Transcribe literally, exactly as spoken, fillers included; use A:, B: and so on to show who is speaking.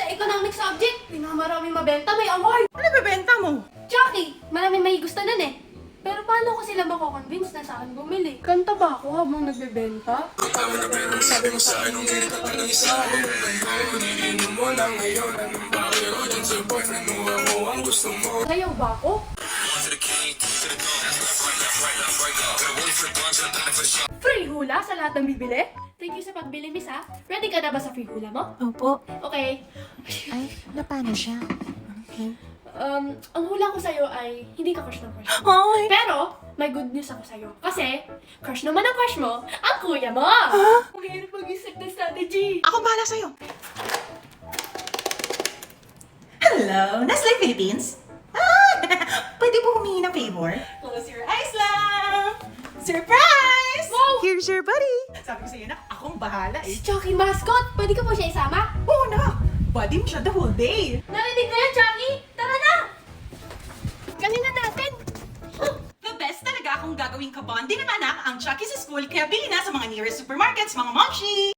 A: economic subject. Pinamaraming mabenta, may award.
B: Ano bebenta mo?
A: Chucky, maraming may gusto nun eh. Pero paano ko sila mako-convince na saan bumili? Kanta ba ako habang nagbebenta?
C: Sabi mo sa akin nung hindi ka lang isa ako. Iniinom mo lang ngayon. Anong bakit o dyan sa buwan? Ano ako ang gusto mo?
A: Sayaw ba ako? Free hula sa lahat ng bibili? Thank you sa pagbili, miss ha. Ready ka na ba sa free hula mo?
D: Opo.
A: Okay.
D: Ay, na paano siya? Okay.
A: Um, ang hula ko sa'yo ay hindi ka crush ng crush mo.
D: Ay!
A: Pero, may good news ako sa'yo. Kasi, crush naman ang crush mo, ang kuya mo! Huh? Ang hirap mag-isip ng strategy.
B: Ako bahala sa'yo. Hello, Nestle Philippines? Ah, pwede po humingi ng favor? Close your eyes lang! Surprise!
A: Wow!
D: Here's your buddy!
B: Sabi ko sa'yo na, akong bahala eh.
A: Si Chucky mascot! Pwede ka po siya isama?
B: Oo na! Buddy mo siya the whole day!
A: Narinig mo yan, Chucky? Tara na! Kanina natin!
B: The best talaga kung gagawing kabonding ng anak ang Chucky's School kaya bili na sa mga nearest supermarkets, mga momshi!